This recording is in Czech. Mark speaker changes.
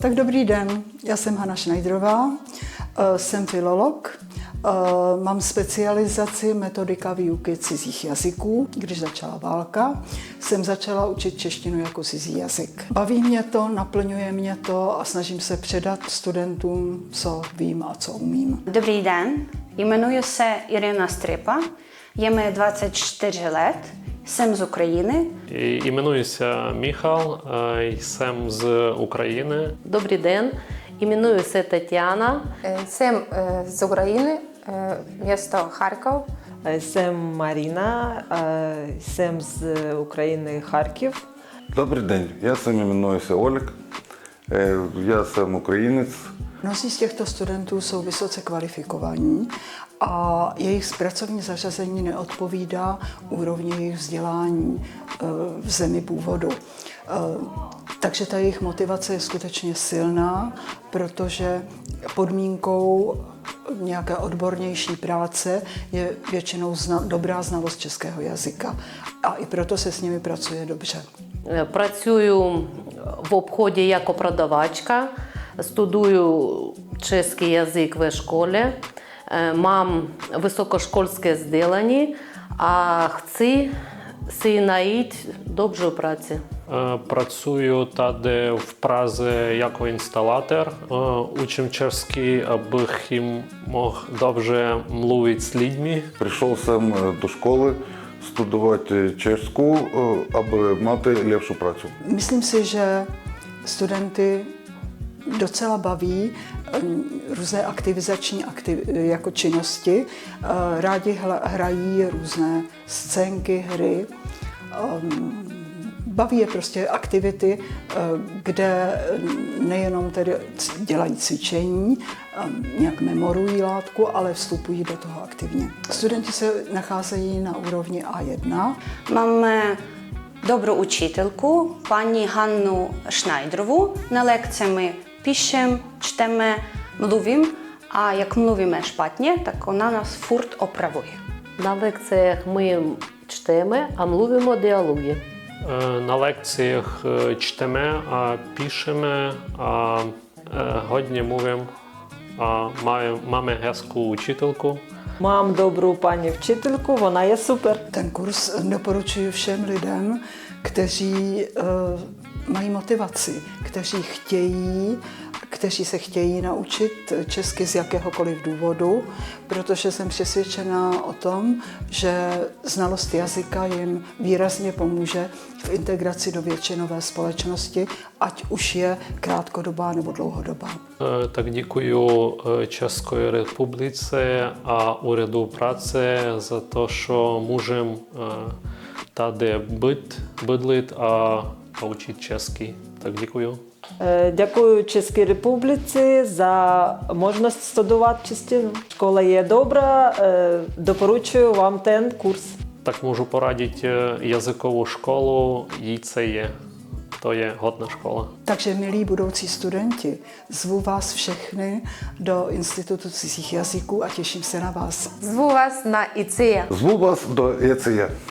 Speaker 1: Tak dobrý den, já jsem Hana Schneiderová, jsem filolog, mám specializaci metodika výuky cizích jazyků. Když začala válka, jsem začala učit češtinu jako cizí jazyk. Baví mě to, naplňuje mě to a snažím se předat studentům, co vím a co umím.
Speaker 2: Dobrý den, jmenuji se Irina Strypa, je mi 24 let, jsem z України.
Speaker 3: Іменуюся Міхал, jsem z України.
Speaker 4: Добрий день, іменуюся Тетяна.
Speaker 5: Jsem z Ukrajiny, město Charkov.
Speaker 6: Jsem Marina, jsem z Ukrajiny, Харків.
Speaker 7: Добрий день, я сам іменуюся Олег, я сам українець.
Speaker 1: Mnozí z těchto studentů jsou vysoce kvalifikovaní a jejich pracovní zařazení neodpovídá úrovni jejich vzdělání v zemi původu. Takže ta jejich motivace je skutečně silná, protože podmínkou nějaké odbornější práce je většinou dobrá znalost českého jazyka. A i proto se s nimi pracuje dobře.
Speaker 4: Працюю в обході як продавачка, студую чеський язик в школі, мам високошкольське зділення, а chci si najít dobrou práci.
Speaker 3: Працюю tady в Празі як інсталятор. Учим чешський, аби мог добре мовити з людьми.
Speaker 7: Прийшов сам до школи студувати чешську, аби мати lepší працю.
Speaker 1: Myslím si, že studenty docela baví různé aktivizační jako činnosti. Rádi hrají různé scénky, hry. Baví je prostě aktivity, kde nejenom tedy dělají cvičení, nějak memorují látku, ale vstupují do toho aktivně. Studenti se nacházejí na úrovni A1.
Speaker 2: Máme dobrou učitelku, paní Hannu Schneiderovou. Na lekce my píšeme, čteme, mluvím a jak mluvíme špatně, tak ona nás furt opravuje.
Speaker 4: На лекціях ми чтемо, а мовимо діалоги.
Speaker 3: На лекціях чтемо, а пишемо, а годні мовимо. Máme hezkou učitelku.
Speaker 6: Mám dobrou paní včitelku, ona je super.
Speaker 1: Ten kurz doporučuji všem lidem, kteří mají motivaci, kteří se chtějí naučit česky z jakéhokoliv důvodu, protože jsem přesvědčená o tom, že znalost jazyka jim výrazně pomůže v integraci do většinové společnosti, ať už je krátkodobá nebo dlouhodobá.
Speaker 3: Tak děkuji České republice a úřadu práce za to, že můžeme tady bydlet a učit česky. Tak děkuji.
Speaker 6: Дякую Чеській Республіці за можливість студувати чеську. Школа є добра, допоручую вам ten курс.
Speaker 3: Tak můžu poradit jazykovou školu JCE. To je hodná škola.
Speaker 1: Takže milí budoucí studenti, zvu vás všechny do Institutu cizích jazyků a těším se na vás.
Speaker 5: Zvu vás na ICE.
Speaker 7: Зву вас до ЄЦЄ.